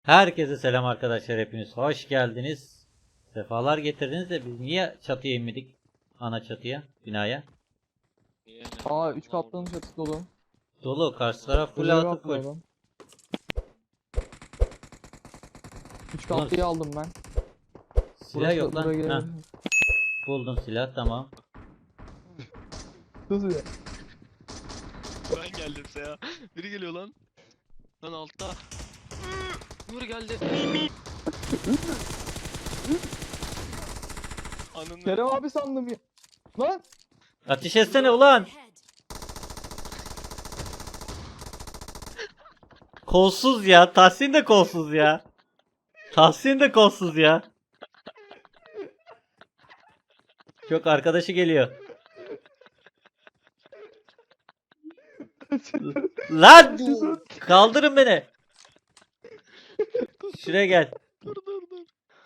Herkese selam arkadaşlar, hepiniz hoş geldiniz. Sefalar getirdiniz de biz niye çatıya inmedik? Ana çatıya, binaya. Niye Aa ne? 3 Allah katlı orada. çatısı dolu. Dolu, karşı taraf full Görev altı yapma full. adam. 3 Ulan, katlıyı aldım ben. silah yok lan. Buraya Heh, gelebilir. buldum silah, tamam. Nasıl ya? Ben geldim ya. Biri geliyor lan. Lan altta. Nur geldi. Ananı. Kerem abi sandım ya. Lan! Ateş etsene ulan. Kolsuz ya, Tahsin de kolsuz ya. Tahsin de kolsuz ya. Çok arkadaşı geliyor. Lan! Kaldırın beni. Şuraya gel. Dur dur dur.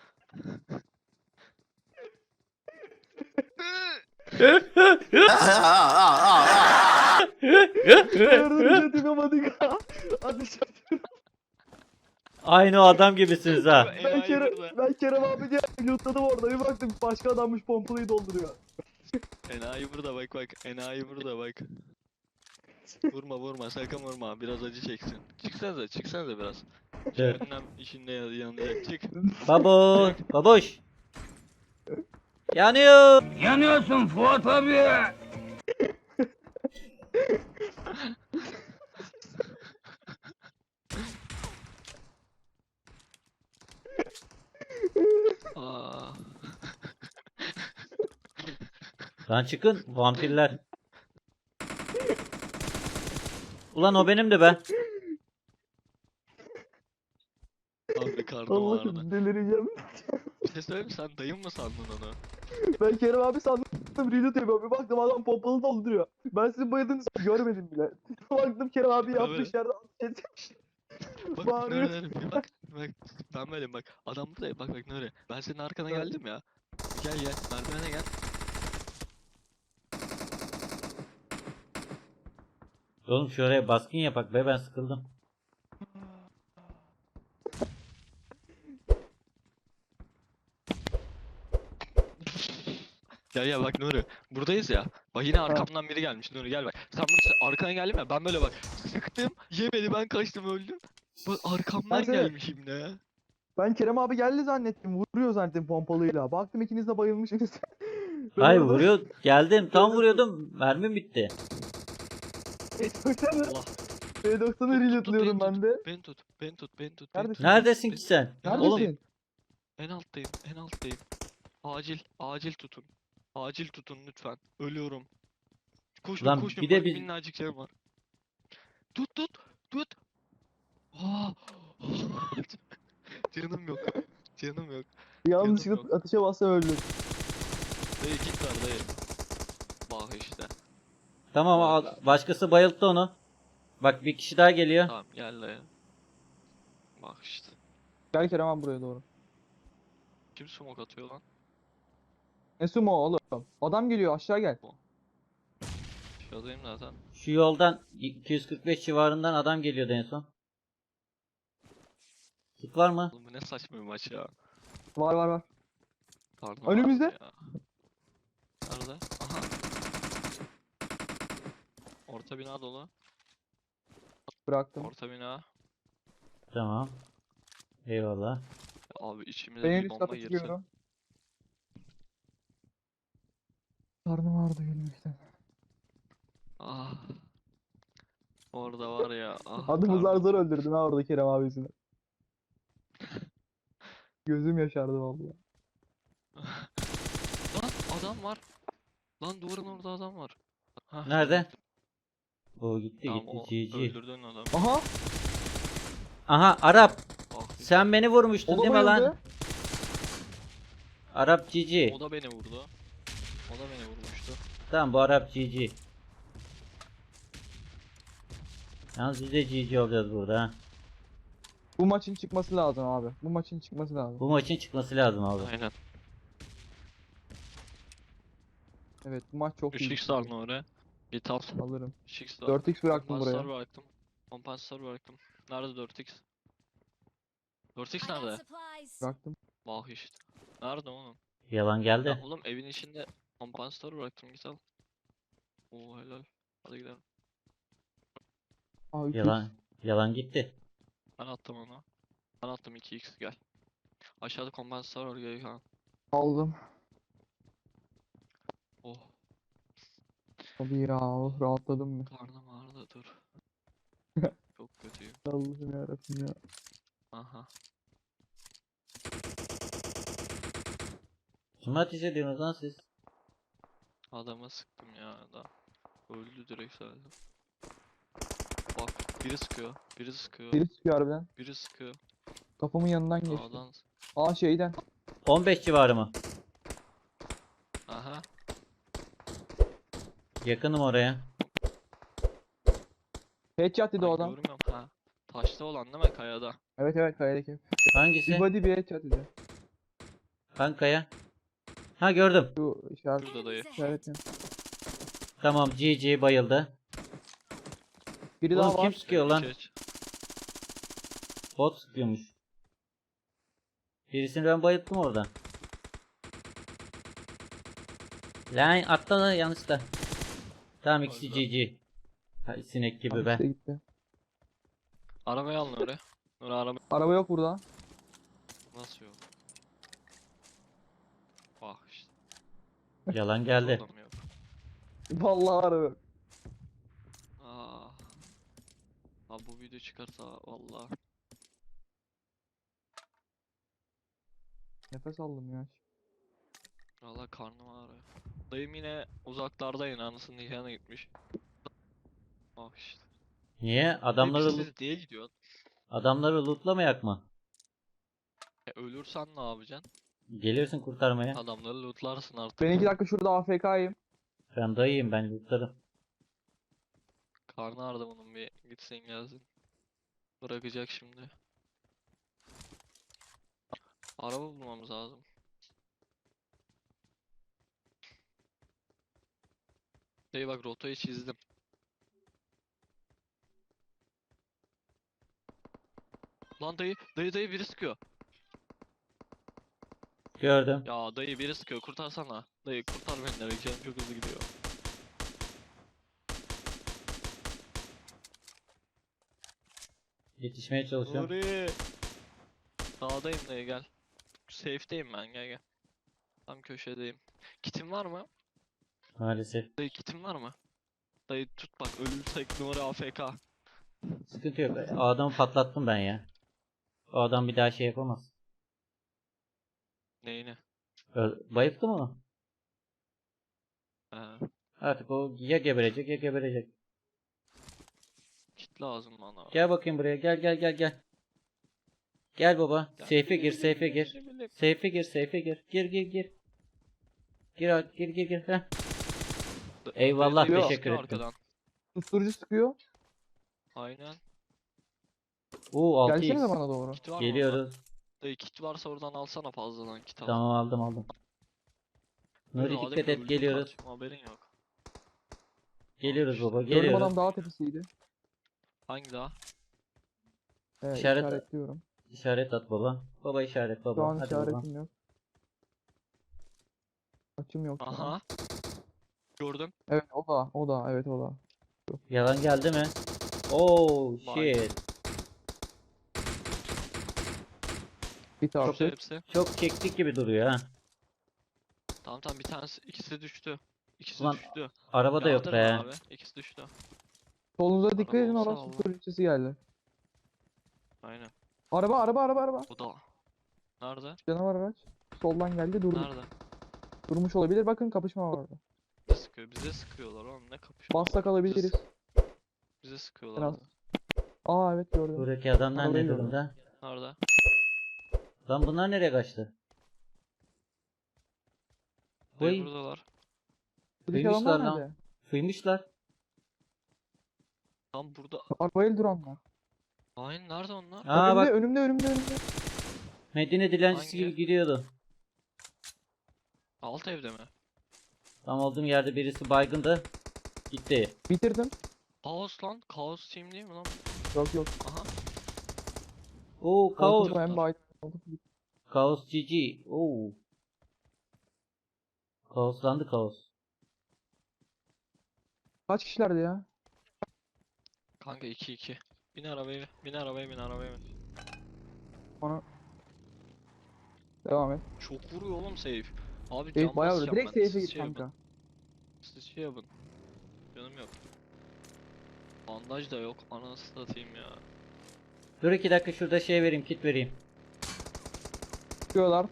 Yardım yapamadık ha. Hadi Aynı o adam gibisiniz ha. Enayi burada. Ben Kerem abi diye lootladım orada. Bir baktım başka adammış pompalıyı dolduruyor. Enayi burada bak bak. Enayi burada bak. Vurma vurma sakın vurma. Biraz acı çeksin. Çıksanıza biraz. Dur. Cehennem işinde yanacak. Çık. Babo, baboş. Yanıyor. Yanıyorsun Fuat abi. Aa. Lan çıkın vampirler. Ulan o benim de be. Abi karnım ağrıdı. Allah'ım delireceğim. Bir şey söyleyeyim mi? Sen dayın mı sandın onu? Ben Kerem abi sandım. Reload yapıyorum. Bir baktım adam pompalı dolduruyor. Ben sizin bayıldığınızı görmedim bile. Baktım Kerem abi yapmış yerde ateş etmiş. Bak Bağırıyor. Nuri bak ben böyleyim bak adam burada bak bak Nuri ben senin arkana Evet. geldim ya gel merdivene gel Oğlum şuraya baskın yapak be, ben sıkıldım. ya bak Nuri buradayız ya bak yine arkamdan biri gelmiş Nuri gel bak sen burada arkana geldim ya ben böyle bak sıktım yemedi ben kaçtım öldüm bak arkamdan Ben seni- gelmiş şimdi ya Ben Kerem abi geldi zannettim. Vuruyor zannettim pompalıyla. Baktım ikiniz de bayılmışsınız. Ben Hayır, orada- vuruyor. Geldim tam vuruyordum. Mermim bitti. Allah P90'ı reloadluyorum ben de. beni tut Neredesin? Neredesin ki sen? Neredesin? Oğlum en alttayım acil tutun acil tutun lütfen ölüyorum koşun Lan koşun bir de bak biz- minnacık canım var tut Aa! Canım yok. Yanlışlıkla yok. ateşe bassa öldüm. Dayı git ver dayı. Bak işte. tamam, başkası bayılttı onu. Bak bir kişi daha geliyor. Tamam gel dayı. Bak işte. Gel Kerem abi buraya doğru. Kim smoke atıyor lan? Ne sumo oğlum? Adam geliyor aşağı gel. Aşağıdayım zaten. Şu yoldan 245 civarından adam geliyordu en son. Sık var mı? Oğlum bu ne saçma bir maç ya. Var. Karnım Önümüzde. ağrıyor ya. Nerede? Aha. Orta bina dolu. Bıraktım. Orta bina. Tamam. Eyvallah. Abi içimize Ben en bir üst bomba kata girse. çıkıyorum. Karnım ağrıdı gülmekten. Ah. Orada var ya. Ah, Adımı zar karnım. zor öldürdüm ha orada Kerem abisini. Gözüm yaşardı vallahi. Lan adam var. Lan duvarın orada adam var. Hah, Nerede? O gitti Tamam o gitti. GG. öldürdün adamı. Aha! Aha, Arap. Ah, Sen beni vurmuştun O da değil mi lan? bayıldı. Arap GG. O da beni vurdu. O da beni vurmuştu. Tamam, bu Arap GG. Yalnız biz de GG olacağız burada ha. Bu maçın çıkması lazım abi. Bu maçın çıkması lazım. Bu maçın çıkması lazım abi. Aynen. Evet bu maç çok iyi. 3x aldın oraya. Git al. Alırım. 3x al. 4x bıraktım Kompansatör buraya. bıraktım. Kompansatör bıraktım. Nerede 4x? 4x I got nerede? supplies. Bıraktım. Vah işte. Nerede oğlum? Yalan Ya geldi. oğlum evin içinde kompansatör bıraktım, git al. Oo helal. Hadi gidelim. Aa 3x. Yalan gitti. Ben attım onu. Ben attım 2x, gel. Aşağıda kompansatör var, gel Kaan. Aldım. Oh, Hadi ya, oh, rahatladım mı? karnım ağrıdı, dur. Çok kötüyüm. Allah'ım yarabbim ya. Aha. Kime ateş ediyorsunuz lan siz? Adama sıktım ya da. Öldü direkt zaten. Bak, biri sıkıyor. Biri sıkıyor. Biri sıkıyor harbiden. Biri sıkıyor. Kafamın yanından geçti. Sağdan. Aa şeyden. 15 civarı mı? Aha. Yakınım oraya. Headshot dedi o Ay, adam. görmüyorum. Ha. Taşta olan değil mi, kayada? Evet evet, kayadaki. Bir Hangisi? body bir headshot dedi. Kankaya. Ha gördüm. Şu işaret. Şurada dayı. Enemies ahead. İşaretin. Tamam, GG bayıldı. Biri Oğlum daha kim var. sıkıyor lan? Geç. Bot sıkıyormuş. Birisini ben bayılttım orada. Lan atla lan yanlışla. Tamam, ikisi Öldü. GG. Ha, sinek gibi Abi be. işte gitti. Arabayı alın oraya. Araba Araba yok burada. nasıl yok? Bak işte. Yalan geldi. Burada mı yok? Vallahi araba yok. Aa. Abi bu video çıkarsa vallahi. Nefes aldım ya. Vallahi karnım ağrıyor. Dayım yine uzaklarda, yine anasının nikahına gitmiş. Bak işte. Niye? Siz diye gidiyor. Adamları lootlamayak mı? Ölürsen ne yapacaksın? Gelirsin kurtarmaya. Adamları lootlarsın artık. Ben 2 dakika şurada AFK'yim. Ben dayıyım, ben lootlarım. Karnı ağrıdı bunun, bir gitsin gelsin. Bırakacak şimdi. Araba bulmamız lazım. Dayı bak, rotayı çizdim. Lan dayı biri sıkıyor. Gördüm. Ya dayı biri sıkıyor, kurtarsana. Dayı kurtar beni, direkt canım çok hızlı gidiyor. Yetişmeye çalışıyorum. Nuri. Sağdayım dayı, gel. Safe'deyim ben, gel. Tam köşedeyim. Kitin var mı? Maalesef. Dayı kitin var mı? Dayı tut bak, ölürsek Nuri AFK. Sıkıntı yok. O adamı patlattım ben ya. O adam bir daha şey yapamaz. Neyini? Bayılttı mı? Ee, Artık o ya geberecek ya geberecek. kit lazım bana. Gel bakayım buraya. Gel. Gel baba. Gel. Safe'e gir, safe'e gir. Bile. Safe'e gir, safe'e gir. Gir. Gir. Heh. Eyvallah, Dayı teşekkür sıkıyor ettim. arkadan. Susturucu sıkıyor. Aynen. Oo, Gelsenize 6x. bana doğru. Kit var mı orada? Geliyoruz. Dayı kit varsa oradan alsana, fazladan kit al. Tamam, aldım. Dayı, Nuri adem dikkat et, öldü geliyoruz. kardeşim, haberin yok. Geliyoruz baba, Gördüm, geliyoruz. adam dağ tepesiydi. Hangi daha? İşaretliyorum. İşaret at baba. Baba işaret Şu baba. an Hadi baba. işaretim yok. Açım yok şu an. Aha. Gördüm. Evet o da evet o da. Yalan geldi mi? Oh Vay. shit. Bir tarafı. Hepsi. Çok çektik gibi duruyor ha. Tamam bir tanesi, ikisi düştü. İkisi Ulan, düştü. Araba da yok Kaldırma be. abi. İkisi düştü. Solunuza dikkat Araba edin, olsa orası Allah. susturucusu geldi. Aynen. Araba. O da. Nerede? Canavar araç. Soldan geldi, durdu. Nerede? Durmuş olabilir. Bakın, kapışma var orada. Bize sıkıyor. Bize sıkıyorlar oğlum, ne kapışma. Bassak alabiliriz. Bize sıkıyorlar. Biraz. abi. Aa evet, gördüm. Buradaki adamlar Arabayı ne gördüm. durumda? Nerede? Lan bunlar nereye kaçtı? Dayı Oy, buradalar. Buradaki Duymuşlar adamlar lan. nerede? fıymışlar. Tam burada. Arabayla duranlar. Aynen, nerede onlar? Aa bak, Önümde. Medine dilencisi Hangi? gibi gidiyordu. Alt evde mi? Tam olduğum yerde birisi baygındı. Gitti. Bitirdim. Kaos lan. Kaos team değil mi lan? Yok. Aha. Oo Kaos. Oldu hem bayt. Kaos GG. Oo. Kaoslandı Kaos. Kaç kişilerdi ya? Kanka 2-2. Bin arabaya, bin arabaya, bin arabaya bin. Onu devam et. Çok vuruyor oğlum save. Abi Evet can bayağı vuruyor. basacağım Direkt ben. safe'e Siz git şey yapın. kanka. Siz şey yapın. Canım yok. Bandaj da yok. Anasını satayım ya. Dur 2 dakika şurada şey vereyim, kit vereyim. Çıkıyorlar.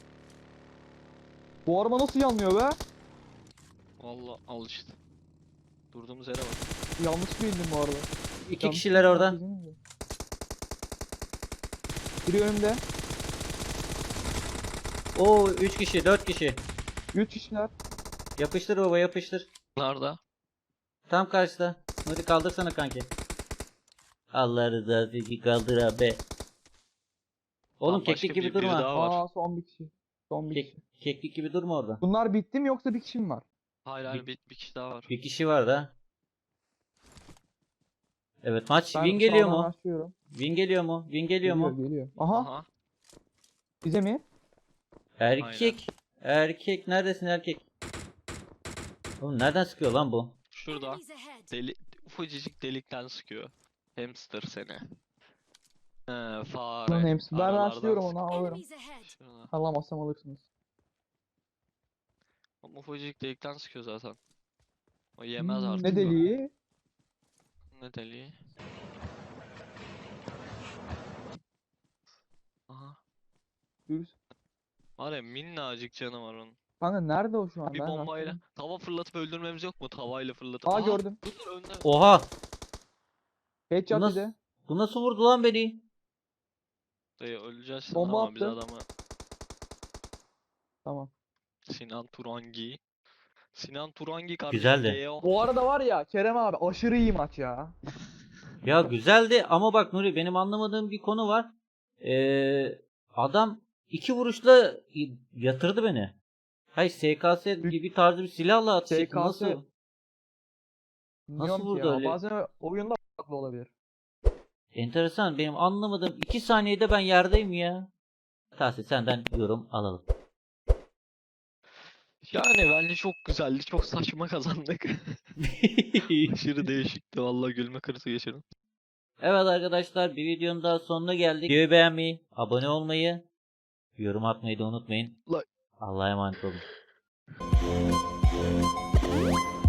Bu araba nasıl yanmıyor be? Valla al işte. Durduğumuz yere bak. Yanlış mı indim bu arada? 2 Yanlış kişiler mı orada. indim? Biri önümde. Oo 3 kişi, 4 kişi. 3 kişiler. Yapıştır baba, yapıştır. Nerede? Tam karşıda. Hadi kaldırsana kanki. Allah rızası için kaldır abi. Oğlum Tamam, başka keklik gibi biri durma. daha var. Aa son bir kişi. Son bir kişi. Keklik gibi durma orada. Bunlar bitti mi yoksa bir kişi mi var? Hayır hayır bir kişi daha var. Bir kişi var da. Evet maç Ben win geliyor sağdan mu? başlıyorum. Win geliyor mu? Win geliyor Geliyor mu? geliyor. Aha, Aha. bize mi? Erkek. Erkek neredesin erkek? Oğlum nereden sıkıyor lan bu? Şurada. Enemies ahead. Deli, ufacık delikten sıkıyor. Hamster seni. Fare. Lan hepsi. Ben Aralardan başlıyorum sık- onu alırım. Enemies ahead. Şurada. Alamazsam alırsınız. Ama ufacık delikten sıkıyor zaten. O yemez artık. Ne deliği? Ne deliği? Aha. Dur. Var ya minnacık canı var onun. Kanka nerede o şu an? Bir Ben bombayla. rastladım. Tava fırlatıp öldürmemiz yok mu? Tavayla fırlatıp. Aa Aha, gördüm. Bunlar önde. Oha! Headshot Bu nasıl- bize. Bu nasıl vurdu lan beni? Dayı öleceğiz sana Bomba ama biz attı. adamı. Tamam. Sinan Turangi. Sinan Turangi Güzeldi. kardeşim. GO. Bu arada var ya Kerem abi aşırı iyi maç ya. Ya güzeldi ama bak Nuri benim anlamadığım bir konu var. Adam 2 vuruşla yatırdı beni. Hayır SKS gibi tarzı bir silahla atış etti. SKS. Nasıl? Bilmiyorum ki vurdu ya. öyle? Bazen oyunda farklı olabilir. Enteresan, benim anlamadığım 2 saniyede ben yerdeyim ya. Tahsin senden yorum alalım. Yani bence çok güzeldi. Çok saçma kazandık. Aşırı değişikti. Vallahi gülme krizi geçirdim. Evet arkadaşlar, bir videonun daha sonuna geldik. Videoyu beğenmeyi, abone olmayı, yorum atmayı da unutmayın. Like. Allah'a emanet olun.